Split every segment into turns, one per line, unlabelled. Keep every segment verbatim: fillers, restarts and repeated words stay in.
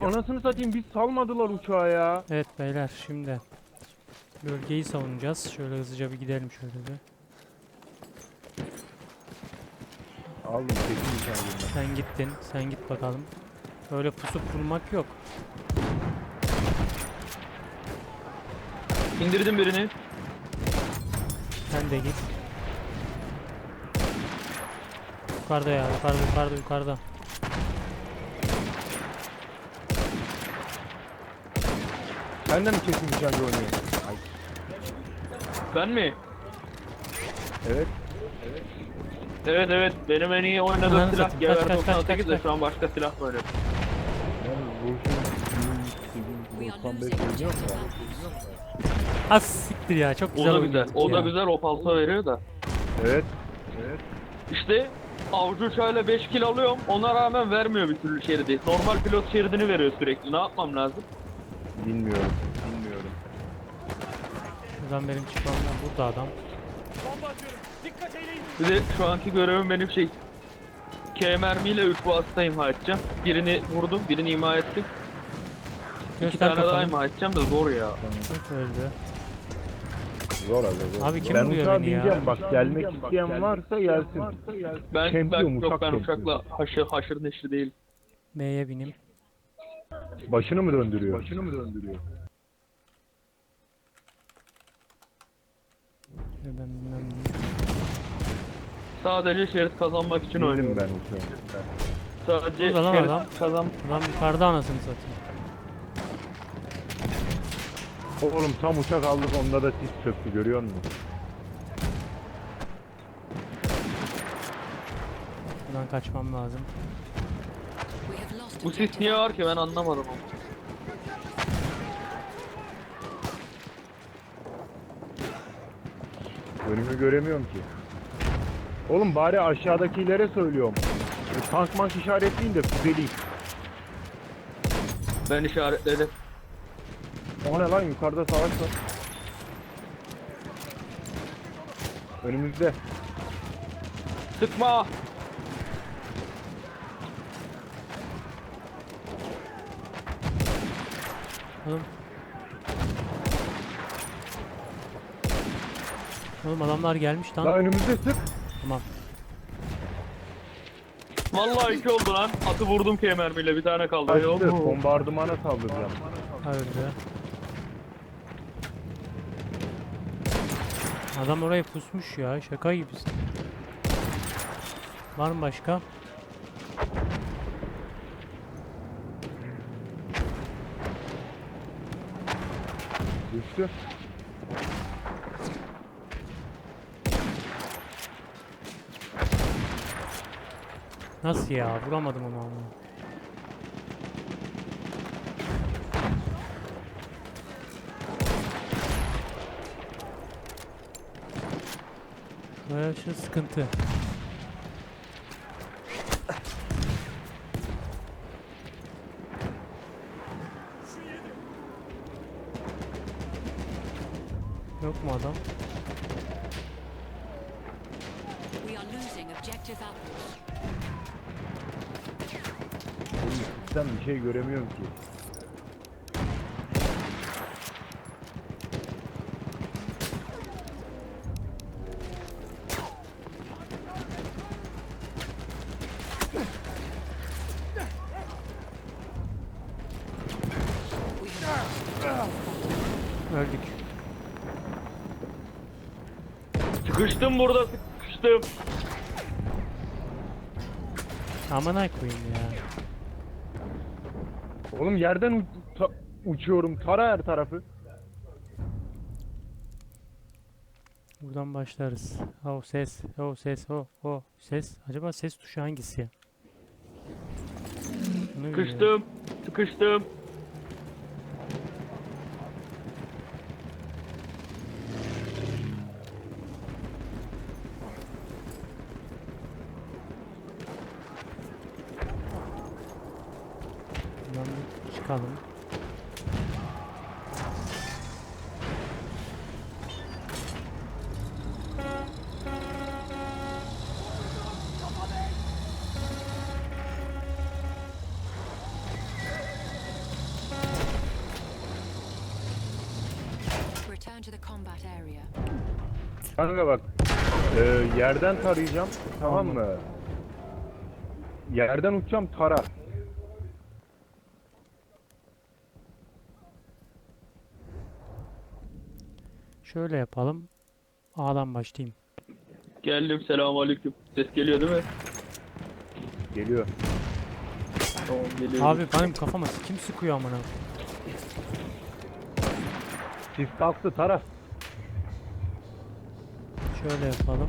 anasını satayım, biz salmadılar uçağı ya.
Evet beyler, şimdi bölgeyi savunacağız. Şöyle hızlıca bir gidelim şöyle bir.
Aldım kesin içeriden.
Sen gittin. Sen git bakalım. Öyle pusup kurmak yok.
İndirdim birini.
Sen de git. Yukarıda ya. Yukarıda yukarıda yukarıda.
Sen de mi kesin içeride oynuyorsun? Ay.
Ben mi?
Evet.
Evet evet. Benim en iyi oynadığım
Ananı
silah
satayım. Kaç,
G V R
kaç, kaç,
doksan sekiz de
kaç,
şu an başka silah var.
Yani bu doksan beş oynuyor mu?
Az siktir ya. Çok
O
güzel
da
oynadık
güzel. O da
ya.
güzel opalsa veriyor da.
Evet. Evet.
İşte avcı uçağıyla beş kill alıyorum. Ona rağmen vermiyor bir türlü şeridi. Normal pilot şeridini veriyor sürekli. Ne yapmam lazım?
Bilmiyorum. Bilmiyorum.
Buradan benim çıkmamdan burada adam.
Bir de şu anki görevim benim şey. K mermiyle üç vasıta imha edeceğim. Birini vurdum, birini imha ettim. İki
Göster
tane daha
kafanı.
imha edeceğim de zor ya.
Çok öldü.
Zor abi zor.
Abi kim
ben
vuruyor
uçağa
beni ya?
bineceğim bak, gelmek isteyen varsa gelsin.
Ben,
Şempiyon,
ben yok
uçak
ben
şempiyon.
uçakla haşır, haşır neşri değil.
B'ye bineyim.
Başını mı döndürüyor? Başını mı döndürüyor?
Ben bilmem ne.
Sadece şerit kazanmak için
Bindim
oynuyorum.
ben uçağa.
Sadece
Burada lan
şerit
adam.
kazan.
Adam yukarıda anasını satayım.
Oğlum tam uçak aldık, onda da sis çöktü, görüyor musun?
Buradan kaçmam lazım.
Bu sis niye var ki ben anlamadım onu.
Önümü göremiyorum ki. Oğlum bari aşağıdakilere söylüyorum. E, tank mank işaretleyin de füzeleyim.
Ben işaretledim.
O ne lan, yukarıda savaş var. Önümüzde.
Sıkma!
Oğlum. Oğlum adamlar gelmiş
Lan
lan.
önümüzde, sık.
Tamam.
Vallahi iki oldu lan. Atı vurdum K mermiyle bir tane kaldı.
Kaçtı. Bombardımana saldıracağım.
Öldü. Adam oraya pusmuş ya. Şaka gibisin. Var mı başka?
Düştü.
Nasıl ya? Vuramadım onu ama. Buraya şu sıkıntı. Yok mu adam?
We are losing objective apples.
Oğlum sistem bir şey göremiyorum ki.
Öldük.
Sıkıştım burada sıkıştım.
Aman ay koyayım ya.
Oğlum yerden u- ta- uçuyorum. Tara her tarafı.
Buradan başlarız. Oh ses, oh ses, oh oh ses. Acaba ses tuşu hangisi ya? Bunu bilmiyorum.
Sıkıştım. Sıkıştım.
Buradan bir çıkalım.
return to the combat area.
Kanka bak. e, yerden tarayacağım. Tamam mı? Yerden uçacağım, tara.
Şöyle yapalım. A'dan başlayayım.
Geldim, selamünaleyküm. Ses geliyor değil mi?
Geliyor.
Tamam, geliyor.
Abi benim kafama kim sıkıyor amına?
Sis kalktı, tara.
Şöyle yapalım.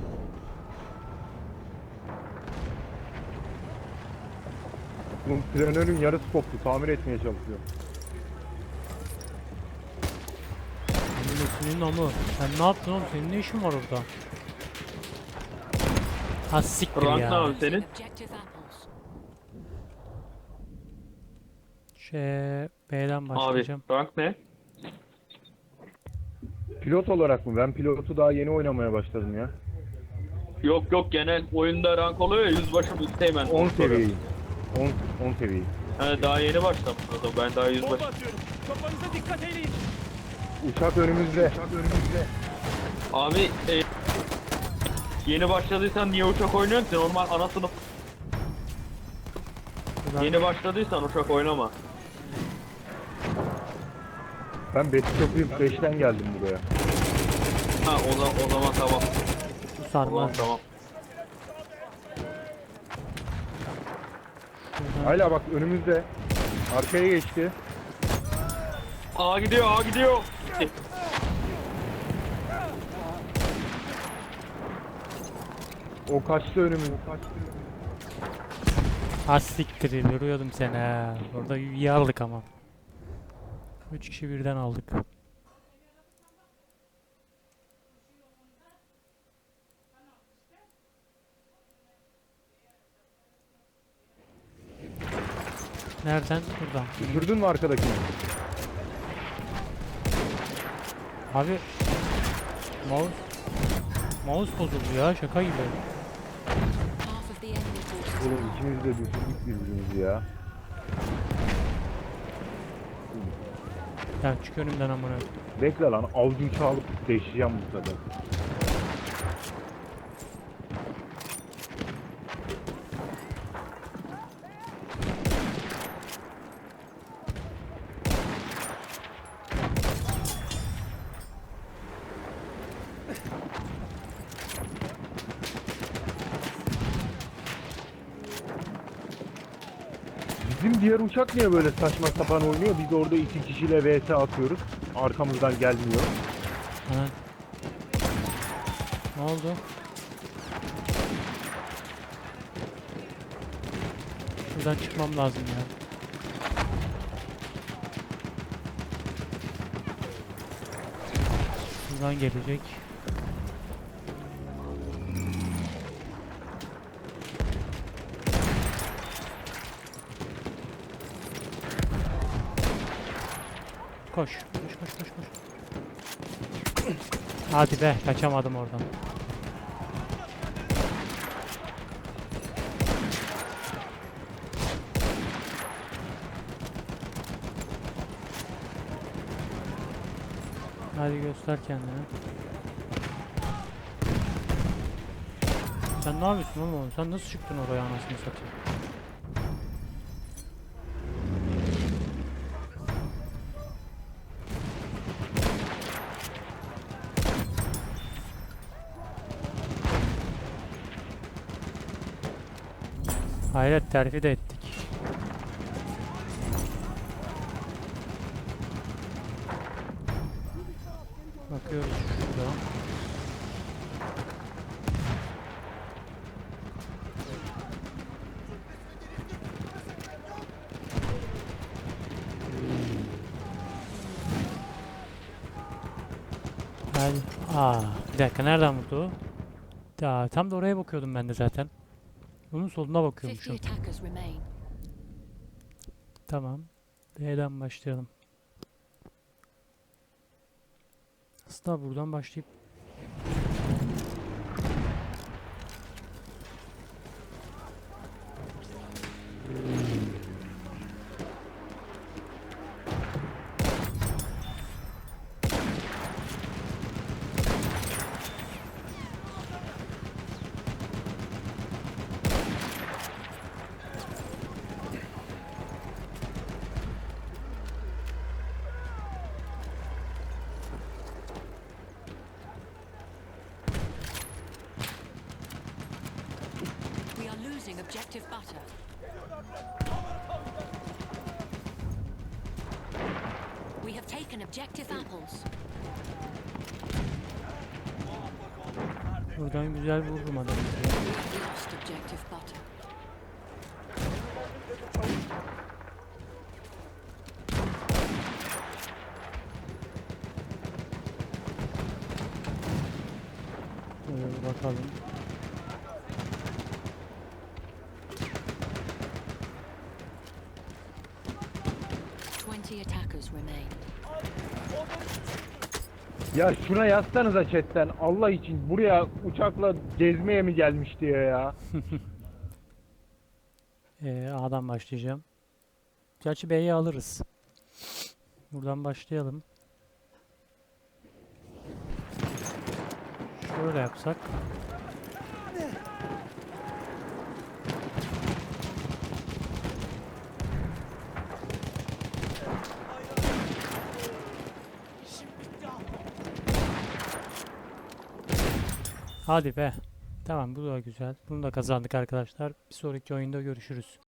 Bunun planörün yarısı koptu. Tamir etmeye çalışıyorum.
Senin amı. Sen ne yaptın oğlum? Senin ne işin var orada? Ha siktir
Rank ne
ya.
abi senin?
Objective apples.
Şey B'den
Abi
başlayacağım.
rank ne?
Pilot olarak mı? Ben pilotu daha yeni oynamaya başladım ya.
Yok yok, genel oyunda rank oluyor ya, yüzbaşı mı üsteğmen.
on seviyeyim. on, on seviyeyim.
He, daha yeni başlamış o da, ben daha yüzbaşı.
Uçak önümüzde. Uçak önümüzde.
Abi e, yeni başladıysan niye uçak oynuyorsun ki? Normal ana sınıf.
Buradan
Yeni başladıysan uçak oynama.
Ben Battlefield beşten geldim buraya.
Ha o, zaman o zaman tamam.
bu
Tamam
sarmaz.
tamam.
Şuradan
Hala bak önümüzde. Arkaya geçti.
A gidiyor, A gidiyor.
O kaçtı önümüz.
ha siktir görüyordum seni ha. Orada iyi aldık ama. Üç kişi birden aldık. Nereden? Buradan.
Düşürdün mü arkadakini?
Abi mouse mouse bozuldu ya, şaka gibi.
Half of the enemy forces
Oğlum
are
ikimiz de düşürdük birbirimizi ya.
Ya çık önümden amına.
Bekle lan, avcı uçağı alıp değişeceğim bu sefer. Bizim diğer uçak niye böyle saçma sapan oynuyor? Biz orada iki kişiyle V S atıyoruz. Arkamızdan gelmiyor.
Ha. Ne oldu? Şuradan çıkmam lazım ya. Şuradan gelecek. Koş, koş, koş, koş, koş. Hadi be, kaçamadım oradan. Hadi göster kendini. Sen ne yapıyorsun oğlum? Sen nasıl çıktın oraya anasını satayım? Hayret, terfi de ettik. Bakıyoruz şurada. Hadi. Aa, bir dakika, nereden vurdu o? Ya, tam da oraya bakıyordum ben de zaten. Bunun soluna
fifty
bakıyormuşum.
attackers remain.
Tamam. B'den başlayalım. Aslında buradan başlayıp
Objective butter. We have taken objective apples.
Buradan güzel vururum adamı.
We have lost objective butter.
Şöyle bir bakalım.
Twenty attackers remain.
Ya şuna yazsanıza chatten Allah için buraya uçakla gezmeye mi gelmiş diye ya.
Ee, A'dan başlayacağım. Gerçi B'yi alırız. Buradan başlayalım. Şöyle yapsak. Hadi be. Tamam, bu da güzel. Bunu da kazandık arkadaşlar. Bir sonraki oyunda görüşürüz.